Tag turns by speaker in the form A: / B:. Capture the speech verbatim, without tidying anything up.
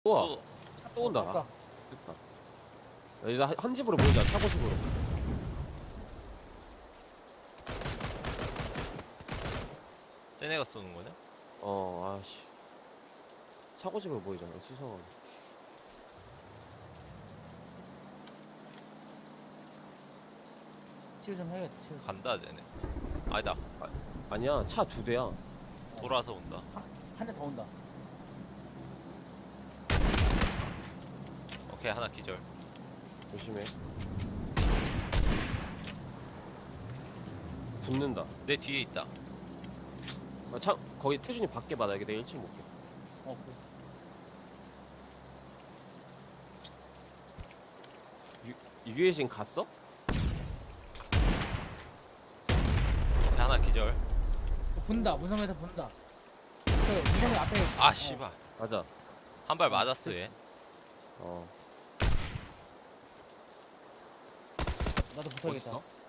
A: 우와
B: 또
A: 또 온다.
C: 왔어.
A: 됐다. 여기다 한- 한 집으로 모이자. 차고식으로.
B: 쟤네가 쏘는 거냐?
A: 어 아씨. 차고집으로 모이자. 수성은.
C: 치유 좀 해야겠다. 치유.
B: 간다 쟤네. 아니다.
A: 아니야 차 두 대야.
B: 돌아서 온다.
C: 한 대 더 온다.
B: 오케이 하나 기절.
A: 조심해. 붙는다.
B: 내 뒤에 있다.
A: 아, 차 거기 태준이 밖에 받아. 여기 내 일 층 못게.
C: 어, 그.
A: 유해진 갔어?
B: 앞에 하나 기절.
C: 어, 본다. 문성에서 본다. 저 문성이 앞에.
B: 아
C: 어,
B: 씨발.
A: 맞아.
B: 한 발 맞았어 얘.
A: 어.
C: 나도 붙어야겠다.
D: 어딨어?